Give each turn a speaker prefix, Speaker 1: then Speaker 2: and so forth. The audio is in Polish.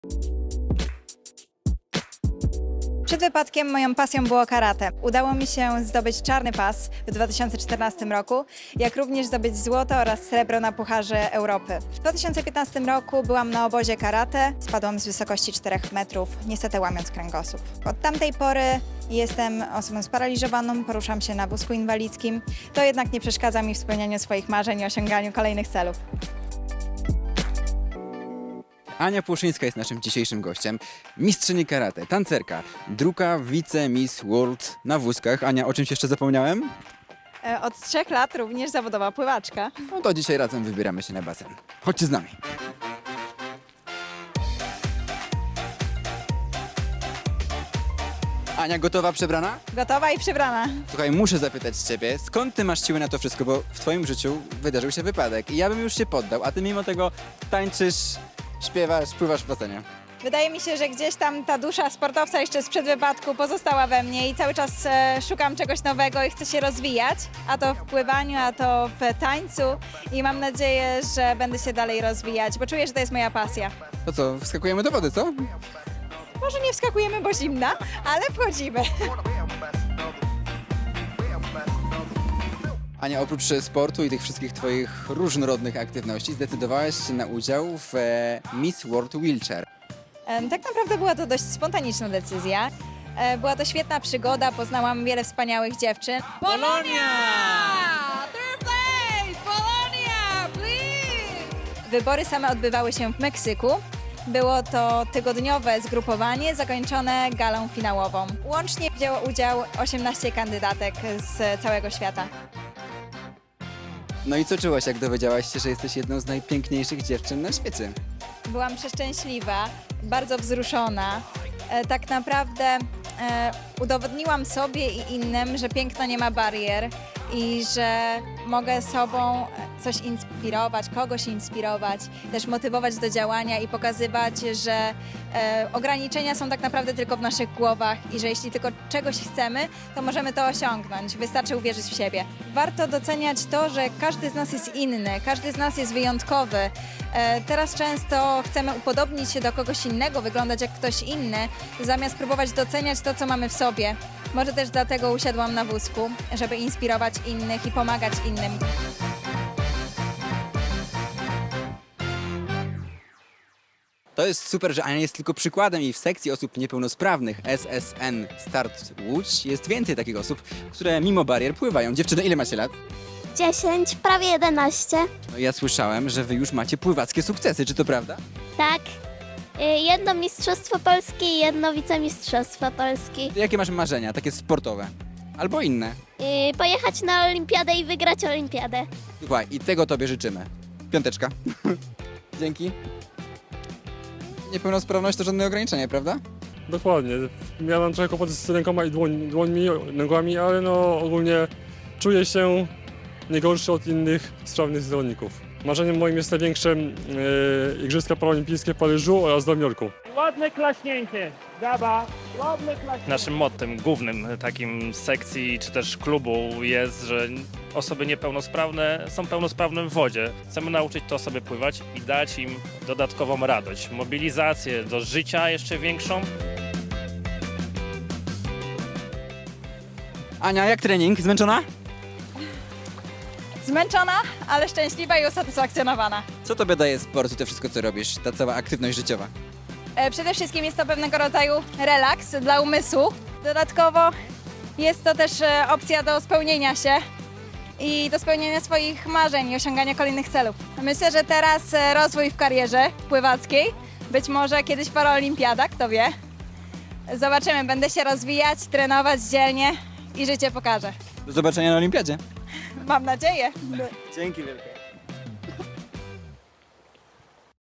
Speaker 1: Przed wypadkiem moją pasją było karate. Udało mi się zdobyć czarny pas w 2014 roku, jak również zdobyć złoto oraz srebro na Pucharze Europy. W 2015 roku byłam na obozie karate, spadłam z wysokości 4 metrów, niestety łamiąc kręgosłup. Od tamtej pory jestem osobą sparaliżowaną, poruszam się na wózku inwalidzkim. To jednak nie przeszkadza mi w spełnianiu swoich marzeń i osiąganiu kolejnych celów.
Speaker 2: Ania Płoszyńska jest naszym dzisiejszym gościem. Mistrzyni karate, tancerka, druga wice-miss world na wózkach. Ania, o czymś jeszcze zapomniałem?
Speaker 1: Od 3 lat również zawodowa pływaczka.
Speaker 2: No to dzisiaj razem wybieramy się na basen. Chodźcie z nami. Ania, gotowa, przebrana?
Speaker 1: Gotowa i przebrana.
Speaker 2: Słuchaj, muszę zapytać ciebie, skąd ty masz siły na to wszystko, bo w twoim życiu wydarzył się wypadek i ja bym już się poddał, a ty mimo tego tańczysz, śpiewasz, pływasz w basenie.
Speaker 1: Wydaje mi się, że gdzieś tam ta dusza sportowca jeszcze sprzed wypadku pozostała we mnie i cały czas szukam czegoś nowego i chcę się rozwijać, a to w pływaniu, a to w tańcu i mam nadzieję, że będę się dalej rozwijać, bo czuję, że to jest moja pasja.
Speaker 2: To co, wskakujemy do wody, co?
Speaker 1: Może nie wskakujemy, bo zimna, ale wchodzimy.
Speaker 2: Ania, oprócz sportu i tych wszystkich twoich różnorodnych aktywności zdecydowałaś się na udział w Miss World Wheelchair.
Speaker 1: Tak naprawdę była to dość spontaniczna decyzja. Była to świetna przygoda, poznałam wiele wspaniałych dziewczyn.
Speaker 3: Polonia! Third place! Polonia, please!
Speaker 1: Wybory same odbywały się w Meksyku. Było to tygodniowe zgrupowanie zakończone galą finałową. Łącznie wzięło udział 18 kandydatek z całego świata.
Speaker 2: No i co czułaś, jak dowiedziałaś się, że jesteś jedną z najpiękniejszych dziewczyn na świecie?
Speaker 1: Byłam przeszczęśliwa, bardzo wzruszona. Tak naprawdę udowodniłam sobie i innym, że piękno nie ma barier i że mogę sobą coś inspirować, kogoś inspirować, też motywować do działania i pokazywać, że ograniczenia są tak naprawdę tylko w naszych głowach i że jeśli tylko czegoś chcemy, to możemy to osiągnąć. Wystarczy uwierzyć w siebie. Warto doceniać to, że każdy z nas jest inny, każdy z nas jest wyjątkowy. Teraz często chcemy upodobnić się do kogoś innego, wyglądać jak ktoś inny, zamiast próbować doceniać to, co mamy w sobie. Może też dlatego usiadłam na wózku, żeby inspirować innych i pomagać innym.
Speaker 2: To jest super, że Ania jest tylko przykładem i w sekcji osób niepełnosprawnych SSN Start Łódź jest więcej takich osób, które mimo barier pływają. Dziewczyny, ile macie lat?
Speaker 4: 10, prawie 11.
Speaker 2: No ja słyszałem, że wy już macie pływackie sukcesy, czy to prawda?
Speaker 4: Tak. Jedno Mistrzostwo Polski i jedno Wicemistrzostwo Polski.
Speaker 2: Jakie masz marzenia, takie sportowe? Albo inne?
Speaker 4: Pojechać na Olimpiadę i wygrać Olimpiadę.
Speaker 2: Słuchaj, i tego tobie życzymy. Piąteczka. Dzięki. Niepełnosprawność to żadne ograniczenie, prawda?
Speaker 5: Dokładnie. Miałem trochę kłopoty z rękoma i dłońmi, nogami, ale no ogólnie czuję się nie gorszy od innych sprawnych zawodników. Marzeniem moim jest największe Igrzyska Paraolimpijskie w Paryżu oraz w Nowym Jorku.
Speaker 6: Ładne klaśnięcie. Gaba, ładne klaśnięcie.
Speaker 7: Naszym mottem głównym takim sekcji czy też klubu jest, że osoby niepełnosprawne są pełnosprawne w wodzie. Chcemy nauczyć te osoby pływać i dać im dodatkową radość, mobilizację do życia jeszcze większą.
Speaker 2: Ania, jak trening? Zmęczona?
Speaker 1: Zmęczona, ale szczęśliwa i usatysfakcjonowana.
Speaker 2: Co tobie daje sport i to wszystko, co robisz, ta cała aktywność życiowa?
Speaker 1: Przede wszystkim jest to pewnego rodzaju relaks dla umysłu. Dodatkowo jest to też opcja do spełnienia się i do spełnienia swoich marzeń i osiągania kolejnych celów. Myślę, że teraz rozwój w karierze pływackiej, być może kiedyś paraolimpiada, kto wie. Zobaczymy, będę się rozwijać, trenować dzielnie i życie pokaże.
Speaker 2: Do zobaczenia na olimpiadzie.
Speaker 1: Mam nadzieję.
Speaker 2: Dzięki wielkie.